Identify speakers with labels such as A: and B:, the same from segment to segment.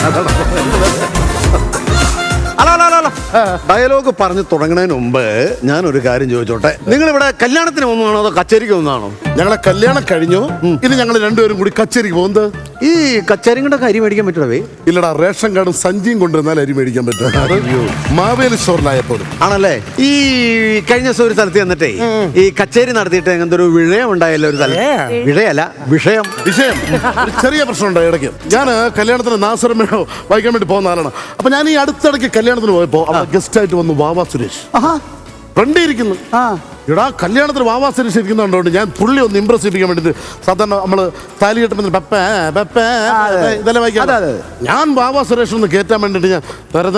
A: Dialogue പറഞ്ഞ് തുടങ്ങുന്നതിന് മുമ്പ് ഞാനൊരു കാര്യം ചോദിച്ചോട്ടെ, നിങ്ങൾ ഇവിടെ കല്യാണത്തിന് ഒന്നാണോ അതോ കച്ചേരിക്ക് ഒന്നാണോ?
B: ഞങ്ങളെ കല്യാണം കഴിഞ്ഞു, ഇനി ഞങ്ങൾ രണ്ടുപേരും കൂടി കച്ചേരിക്ക് പോകുന്നത്.
A: ഈ കച്ചേരിയുടെ അരി മേടിക്കാൻ പറ്റുമേ?
B: ഇല്ലടാ, റേഷൻ കാർഡും സഞ്ചിയും കൊണ്ടുവന്നാൽ അരി മേടിക്കാൻ പറ്റും. മാവേലി സ്റ്റോറിലായപ്പോഴും
A: ആണല്ലേ. ഈ കഴിഞ്ഞ ദിവസം ഒരു സ്ഥലത്ത് ചെന്നിട്ടേ ഈ കച്ചേരി നടത്തിയിട്ട് അങ്ങനത്തെ ഒരു വിഷയം ഉണ്ടായല്ലോ ഒരു സ്ഥലം. വിഷയല്ല, വിഷയം
B: ഒരു ചെറിയ പ്രശ്നം ഉണ്ടായി ഇടയ്ക്ക്. ഞാൻ കല്യാണത്തിന് നാസറമ്മയോ വായിക്കാൻ വേണ്ടി പോകുന്ന ആളാണ്. അപ്പൊ ഞാൻ ഈ അടുത്തിടയ്ക്ക് കല്യാണത്തിന് പോയപ്പോ അവിടെ ഗസ്റ്റ് ആയിട്ട് വന്നു വാവാ സുരേഷ്. ഫ്രണ്ട് ഇരിക്കുന്നു. എടാ, കല്യാണത്തിന് വാവാ സുരേഷ് ഇരിക്കുന്നുണ്ടോണ്ട് ഞാൻ പുള്ളി ഒന്ന് ഇംപ്രസ് ചെയ്യിപ്പിക്കാൻ വേണ്ടിട്ട് സാധാരണ നമ്മള് താലി കെട്ടുമ്പോൾ ഇതെല്ലാം വായിക്കാം. ഞാൻ വാവാ സുരേഷ് ഒന്ന് കയറ്റാൻ വേണ്ടിട്ട് ഞാൻ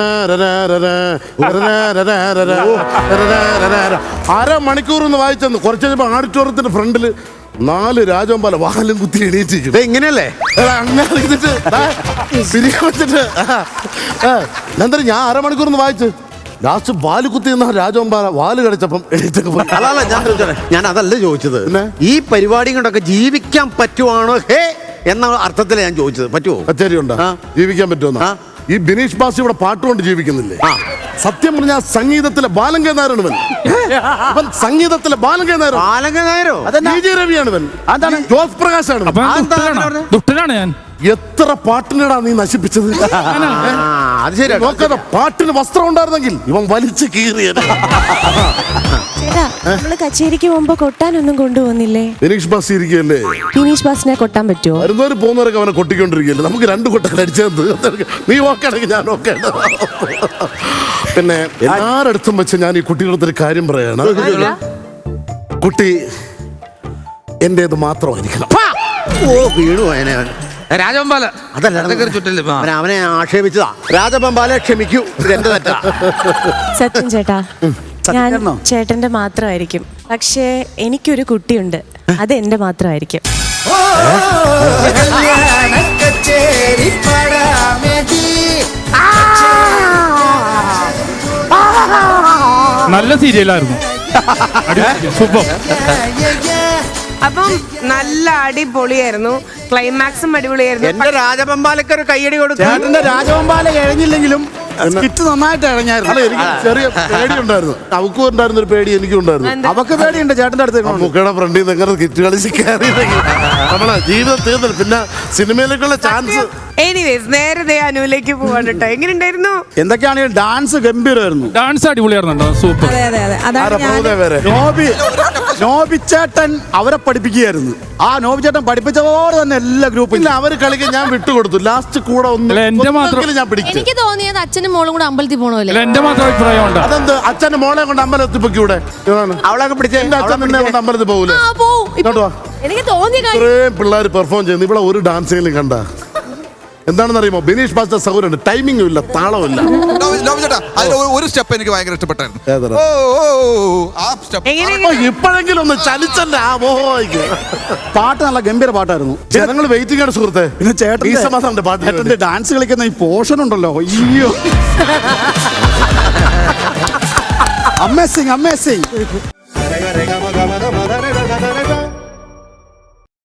B: അരമണിക്കൂർ ഒന്ന് വായിച്ചെന്ന്. കുറച്ച് കഴിഞ്ഞപ്പോ ഓഡിറ്റോറിയത്തിന്റെ ഫ്രണ്ടില് 4 രാജവമ്പാല വാലും കുത്തി എണീറ്റിരിക്കും.
A: ഇങ്ങനെയല്ലേ
B: അങ്ങനെ ഞാൻ അരമണിക്കൂർ ഒന്ന് വായിച്ചു. ലാസ്റ്റ് വാല് കുത്തി നിന്ന രാജവമ്പാല വാല് കടിച്ചപ്പം എണീറ്റൊക്കെ പോയി.
A: ഞാൻ അതല്ല ചോദിച്ചത്, ഈ പരിപാടി കൊണ്ടൊക്കെ ജീവിക്കാൻ പറ്റുവാണോ ഹേ എന്ന അർത്ഥത്തിലാണ് ഞാൻ ചോദിച്ചത്. പറ്റുമോ?
B: കച്ചേരി ഉണ്ടോ ജീവിക്കാൻ പറ്റുമോ? ഈ ബിനീഷ് ബാസി ഇവിടെ പാട്ടുകൊണ്ട് ജീവിക്കുന്നില്ലേ? സത്യം പറഞ്ഞാൽ സംഗീതത്തിലെ ബാലങ്കേ നായരാണ് ഇവൻ. സംഗീതത്തിലെ ബാലങ്കേ നായരോ രവിയാണ് ഇവൻ. ജോസ് പ്രകാശാണ്.
C: ദുഷ്ടനാണ് ഞാൻ.
B: എത്ര പാട്ടിനടാ നീ നശിപ്പിച്ചത്?
A: അത് ശരി.
B: നോക്കാതെ പാട്ടിന് വസ്ത്രം ഉണ്ടായിരുന്നെങ്കിൽ ഇവൻ വലിച്ചു കീറിയത്.
D: ചേട്ടാ, നമ്മള് കച്ചേരിക്ക് പോകുമ്പോ കൊട്ടാനൊന്നും കൊണ്ടുപോകുന്നില്ലേ?
B: ബിനീഷ് ബാസി ഇരിക്കുകയല്ലേ?
D: ബിനീഷ് ബാസിനെ കൊട്ടാൻ പറ്റുമോ?
B: വരുന്നവര് പോകുന്നവരൊക്കെ അവനെ കൊട്ടിക്കൊണ്ടിരിക്കുകയല്ലേ. നമുക്ക് 2 കൊട്ടം അടിച്ചത്. നീ ഓക്കെയാണെങ്കിൽ ഞാൻ ഓക്കെ. പിന്നെ എല്ലാരടുത്തും വെച്ച് ഞാൻ ഈ കുട്ടികളുടെ കാര്യം പറയാണ്. കുട്ടി എന്റേത് മാത്രമായിരിക്കണം.
A: വീണു അവനെ.
C: രാജവമ്പാല
A: അതല്ല, അവനെ ആക്ഷേപിച്ചതാ. രാജവമ്പാല ക്ഷമിക്കൂ, എന്റെ തെറ്റാ.
D: സത്യം ചേട്ടാ, ഞാൻ ചേട്ടന്റെ മാത്രമായിരിക്കും. പക്ഷേ എനിക്കൊരു കുട്ടിയുണ്ട്, അത് എന്റെ മാത്രമായിരിക്കും.
C: നല്ല സീരിയലായിരുന്നു. സൂപ്പർ.
E: അപ്പം നല്ല അടിപൊളിയായിരുന്നു. ക്ലൈമാക്സും അടിപൊളിയായിരുന്നു.
A: എന്റെ രാജവമ്പാലക്ക് ഒരു കയ്യടി കൊടുത്തു.
F: ചേട്ടന്റെ രാജവമ്പാല കഴിഞ്ഞില്ലെങ്കിലും സ്കിറ്റ് നന്നായിട്ട് ഇഴഞ്ഞായിരുന്നു.
B: എനിക്ക് ചെറിയ പേടി ഉണ്ടായിരുന്നു. അവക്കും ഉണ്ടായിരുന്ന ഒരു പേടി എനിക്കും ഉണ്ടായിരുന്നു.
F: അവക്ക് പേടിയുണ്ട് ചേട്ടന്റെ അടുത്ത്.
B: മുക്കയുടെ ഫ്രണ്ടിൽ നിന്ന് എങ്ങനെ കിറ്റ് കളിച്ച് കയറിയില്ലെങ്കിൽ നമ്മളെ ജീവിതം തീർന്നില്ല. പിന്നെ സിനിമയിലേക്കുള്ള ചാൻസ്.
E: എനിവേസ്, നേരെ അനുവിലേക്ക് പോവാണ് കേട്ടോ. എങ്ങനെയുണ്ടായിരുന്നു?
F: എന്തൊക്കെയാണെങ്കിലും ഡാൻസ് ഗംഭീരമായിരുന്നു.
C: ഡാൻസ് അടിപൊളിയായിരുന്നു. സൂപ്പർ.
F: നോബി ചേട്ടൻ അവരെ പഠിപ്പിക്കുകയായിരുന്നു. ആ നോബി ചേട്ടൻ പഠിപ്പിച്ചതോടെ തന്നെ എല്ലാ ഗ്രൂപ്പും
B: ഇല്ല, അവര് കളിക്കാൻ ഞാൻ വിട്ടുകൊടുത്തു. ലാസ്റ്റ് കൂടെ
C: എന്റെ മാത്രം
B: ഞാൻ പിടിച്ചു.
G: എനിക്ക് തോന്നിയത് അച്ഛനും മോളും കൂടെ അമ്പലത്തിൽ പോകണമല്ലോ.
C: എന്റെ മാത്രം അഭിപ്രായം ഉണ്ട്.
B: അതെന്ത് അച്ഛന്റെ മോളെ കൊണ്ട് അമ്പലത്തിൽ പൊക്കിയൂടെ?
A: അവളൊക്കെ പിടിച്ചേ.
B: എന്റെ അച്ഛൻ നിന്നെ കൊണ്ട് അമ്പലത്തിൽ പോകൂലേ?
G: എനിക്ക് തോന്നിയ
B: ഇത്രയും പിള്ളേർ പെർഫോം ചെയ്യുന്നു. ഇവിടെ ഒരു ഡാൻസിലും കണ്ട എന്താണെന്ന് അറിയുമോ? ബിനീഷ് ബാസിന്റെ സൗകര്യമുണ്ട്, ടൈമിംഗും ഇല്ല, താളവും
H: ഒരു സ്റ്റെപ്പ് എനിക്ക് ഭയങ്കര ഇഷ്ടപ്പെട്ടായിരുന്നു.
B: ഇപ്പോഴെങ്കിലും ഒന്ന് ചലിച്ചല്ലേ ആ മോഹോയ്ക്ക്.
F: പാട്ട് നല്ല ഗംഭീര പാട്ടായിരുന്നു.
B: ജനങ്ങൾ വെയിറ്റിംഗ് ആണ് സുഹൃത്തെ.
F: പിന്നെ ചേട്ടന്റെ പാട്ടിന്റെ ഡാൻസ് കളിക്കുന്ന ഈ പോർഷൻ ഉണ്ടല്ലോ, അയ്യോ അമേസിംഗ്.